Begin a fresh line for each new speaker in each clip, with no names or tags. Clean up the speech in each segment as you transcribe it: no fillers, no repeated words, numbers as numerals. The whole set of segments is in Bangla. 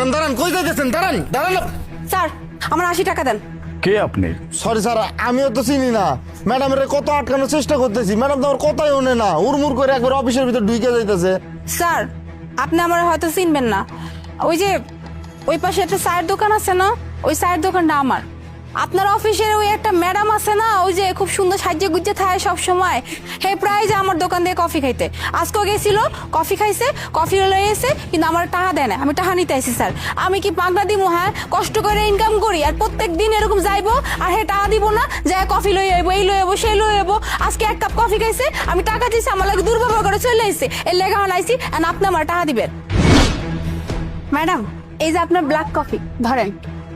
দাঁড়ান দাঁড়ান, কই যাইতেছেন? দাঁড়ান দাঁড়ান।
স্যার আমার 80 টাকা দেন।
কে আপনি?
সরি স্যার, আমিও তো চিনি না। ম্যাডামের কত আটকানোর চেষ্টা করতেছি, ম্যাডাম তো আমার কথাই শোনে না, উড়মুড় করে একবার অফিসের ভিতর ঢুকে যাইতেছে।
স্যার আপনি আমার হয়তো চিনবেন না, ওই যে ওই পাশে একটা চায়ের দোকান আছে না, ওই চায়ের দোকানটা আমার। আপনার অফিসের ওই একটা ম্যাডাম আছে না, ওই যে খুব সুন্দর সাজিয়ে গুজিয়ে থাকে সব সময়, হে প্রায় যে আমার দোকান দিয়ে কফি খাইতে। আজকেও গেছিল, কফি খাইছে, কফি লয়ে এসে, কিন্তু আমার টাকা দেয় না। আমি টাকা নিতে আইছি স্যার। আমি কি পাগলা দিমু? হ্যাঁ, কষ্ট করে ইনকাম করি আর প্রত্যেক দিন এরকম যাইবো আর হে টাকা দিব না? যে কফি লয়ে আইবো, এই লয়ে আইবো, সেই লয়ে আইবো। আজকে এক কাপ কফি খাইছে, আমি টাকা দিয়েছি, আমার লাগে দুর্ব্যবহার করে চলে আইছে। এর লেখা আনাইছি আর আপনি আমার টাকা দিবেন। ম্যাডাম এই যে আপনার ব্ল্যাক কফি ধরেন।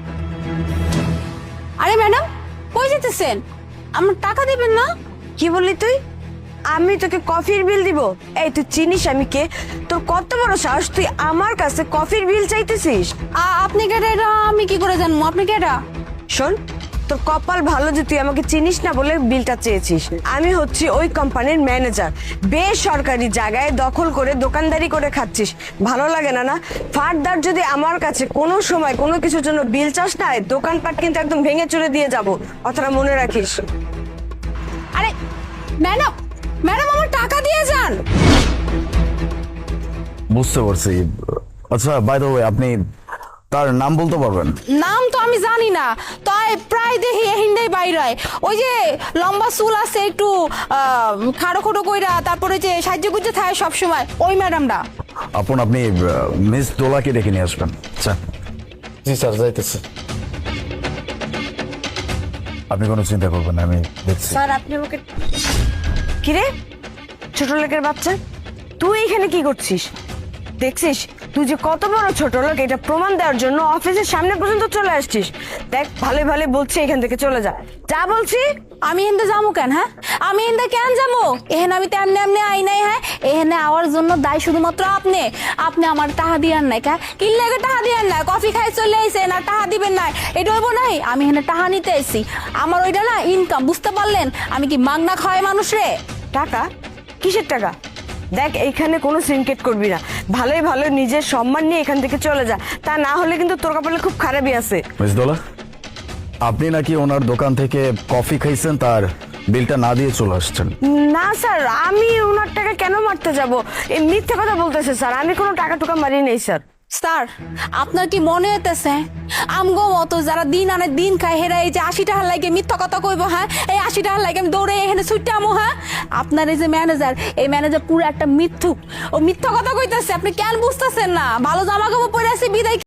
আরে ম্যাডাম কই যেতেছেন? আমার টাকা দিবেন না?
কি বললি তুই? আমি তোকে কফির বিল দিব? এই তুই চিনিস আমি কে? তোর কত বড় সাহস, তুই আমার কাছে কফির বিল চাইতেছিস?
আপনি কেটা? এটা আমি কি করে জানবো আপনি কেটা?
শোন, তোর কপাল ভালো যে তুই আমাকে চিনিস না বলে বিলটা চেয়েছিস। আমি হচ্ছি ওই কোম্পানির ম্যানেজার। বেসরকারি জায়গায় দখল করে দোকানদারি করে খাচ্ছিস, ভালো লাগে না? না ফার্দার যদি আমার কাছে কোনো সময় কোনো কিছুর জন্য বিল চাস না, দোকানপাট কিন্তু একদম ভেঙে চুরে দিয়ে যাব, কথাটা মনে রাখিস।
আরে ম্যাডাম, ম্যাডাম আমার টাকা দিয়ে যান।
বুঝতে পারছি। আচ্ছা, বাই দ্য ওয়ে, আপনি তার নাম বলতে পারবেন?
নাম তো আমি জানি না, তাই প্রায় দেখি হিন্দাই বাইরে হয়। ওই যে লম্বা চুল আছে একটু খাড়ো খোটো কইরা, তারপরে যে সাহায্য করতে থাকে সবসময়, ওই ম্যাডামটা।
আপনি মিস দোলাকে ডেকে নিয়ে আসবেন। আচ্ছা।
জি স্যার, যাইতেছে।
আপনি কোনো চিন্তা করবেন না, আমি দেখছি।
স্যার আপনি আমাকে... কিরে ছোট লোকের বাচ্চা, তুই এখানে কি করছিস? দেখছিস তুই যে কত বড় ছোট লোক, এটা প্রমাণ দেওয়ার জন্য অফিসের সামনে পর্যন্ত চলে আসছিস। দেখ ভালো ভালো বলছি, এখান থেকে চলে যা, যা বলছি।
আমি এখানে যাবো কেন? হ্যাঁ, আমি এখানে কেন যাবো? এখানে আমি তেমনি এমনি আই নাই। হ্যাঁ, এখানে আওয়ার জন্য দায় শুধুমাত্র আপনি। আপনি আমার টাকা দিয়ার নাই। কি লাগে টাকা দিয়ার নাই? কফি খাই চলে আইছে না, টাকা দিবেন নাই, এটা হইব নাই? আমি এখানে টাকা নিতে এসেছি, আমার ওইটা না ইনকাম, বুঝতে পারলেন? আমি কি মাগনা খাওয়াই মানুষ রে?
টাকা? কিসের টাকা? দেখ এইখানে কোনো সিনকেট করবি না, ভালোই ভালো নিজের সম্মান নিয়ে এখান থেকে চলে যা, তা না হলে কিন্তু তোর কপালে খুব খারাপই আছে।
মিস দোলা, আপনি নাকি ওনার দোকান থেকে কফি খাইছেন, তার বিলটা না দিয়ে চলে আসছেন?
না স্যার, আমি ওনার টাকা কেন মারতে যাব? এই মিথ্যে কথা বলতেছে স্যার, আমি কোনো টাকা টুকা মারি নেই স্যার।
স্যার আপনার কি মনে হইতেছে আমগো মতো যারা দিন আনে দিন খায় হেরা এই যে 80 টাকা লাগে মিথ্যা কথা কইবো? হ্যাঁ, এই 80 টাকা লাগে আমি দৌড়ে এখানে ছুটে আমো? হ্যাঁ, আপনার এই যে ম্যানেজার, এই ম্যানেজার পুরো একটা মিথ্যুক, ও মিথ্যা কথা কইতেছে। আপনি কেন বুঝতেছেন না? ভালো জামা কাপড় পরে আছে বিদায়